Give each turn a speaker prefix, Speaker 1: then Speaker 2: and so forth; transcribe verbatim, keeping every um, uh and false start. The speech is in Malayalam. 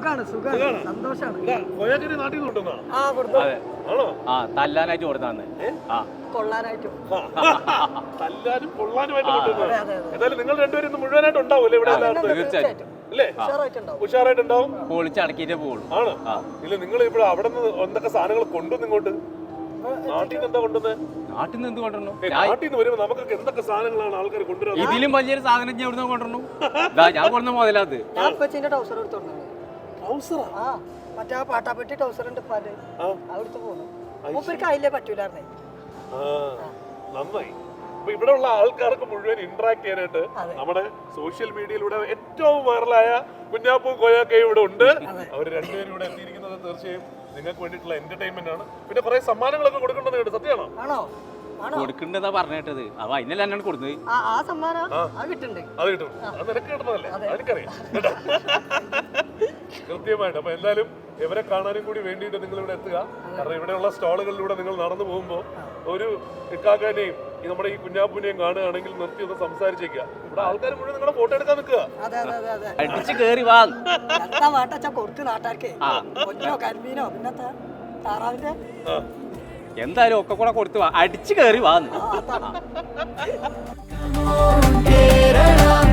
Speaker 1: ആ തല്ലാനായിട്ട് കൊടുത്താന്ന്
Speaker 2: തല്ലാനും കൊള്ളാനുമായിട്ട് എന്തായാലും നിങ്ങൾ രണ്ടുപേരും ഇന്ന് മുഴുവനായിട്ട് ഉണ്ടാവൂല്ലേ ഇവിടെ?
Speaker 1: തീർച്ചയായിട്ടും
Speaker 2: അല്ലേ? ഉഷാറായിട്ടുണ്ടാവും.
Speaker 1: പൊളിച്ചടക്കിട്ടേ പോകുള്ളൂ.
Speaker 2: ആണ്. ഇല്ല, നിങ്ങൾ ഇവിടെ അവിടെ നിന്ന് എന്തൊക്കെ സാധനങ്ങൾ കൊണ്ടുവന്ന് ഇങ്ങോട്ട് നാട്ടിൽ നിന്ന് എന്താ കൊണ്ടുവന്നത്?
Speaker 1: നാട്ടിൽ നിന്ന് എന്ത് കൊണ്ടുവന്നു?
Speaker 2: നാട്ടിൽ നിന്ന് വരുമ്പോ നമുക്കൊക്കെ എന്തൊക്കെ സാധനങ്ങളാണ് ആൾക്കാർ കൊണ്ടുവരുന്നത്?
Speaker 1: ഇതിലും വലിയൊരു സാധനം ഞാൻ ഇവിടുന്ന് കൊണ്ടുവന്നു. ഞാൻ കൊണ്ടുവന്ന മുതലാത്
Speaker 3: മറ്റേ പാട്ടാപ്പെട്ടി ടൗസർ ഉണ്ട് അവിടുത്തെ പോകുന്നു മൂപ്പർക്ക് അതിലേ പറ്റൂലായിരുന്നേ.
Speaker 2: നന്നായി. അപ്പൊ ഇവിടെ ഉള്ള ആൾക്കാർക്ക് മുഴുവൻ ഇന്ററാക്ട് ചെയ്യാനായിട്ട് നമ്മുടെ സോഷ്യൽ മീഡിയയിലൂടെ ഏറ്റവും വൈറലായ കുഞ്ഞാപ്പൂ കോയാക്കയും ഇവിടെ ഉണ്ട്. അവർ രണ്ടുപേരും ഇവിടെ എത്തിയിരിക്കുന്നത് തീർച്ചയായും നിങ്ങൾക്ക് വേണ്ടിയിട്ടുള്ള എന്റർടൈൻമെന്റ് ആണ്. പിന്നെ കുറെ സമ്മാനങ്ങളൊക്കെ കൊടുക്കേണ്ടത് കേട്ടോ, സത്യമാണോ?
Speaker 1: കൊടുക്കണ്ടെന്നാ പറഞ്ഞിട്ടത്. അപ്പൊ അതിനല്ല എന്നാണ് കൊടുത്തത്.
Speaker 2: അത് കിട്ടും. അത് നിനക്ക് കിട്ടുന്നതല്ലേ? എനിക്കറിയാം കൃത്യമായിട്ട്. അപ്പൊ എന്തായാലും ഇവരെ കാണാനും കൂടി വേണ്ടിയിട്ട് നിങ്ങൾ ഇവിടെ എത്തുക. കാരണം ഇവിടെയുള്ള സ്റ്റാളുകളിലൂടെ നിങ്ങൾ നടന്നു പോകുമ്പോൾ ഒരു ഇക്കാക്കാനെയും ഈ നമ്മുടെ ഈ കുഞ്ഞാപ്പൂനെയും കാണുകയാണെങ്കിൽ നിർത്തി ഒന്ന് സംസാരിച്ചേക്കുക. ഇവിടെ ആൾക്കാർ മുഴുവൻ നിങ്ങളുടെ ഫോട്ടോ എടുക്കാൻ നിൽക്കുക.
Speaker 1: അടിച്ച് കേറി വാ. എന്തായാലും ഒക്കെ കൂടെ കൊടുത്തു വാ. അടിച്ചു കേറി വാ.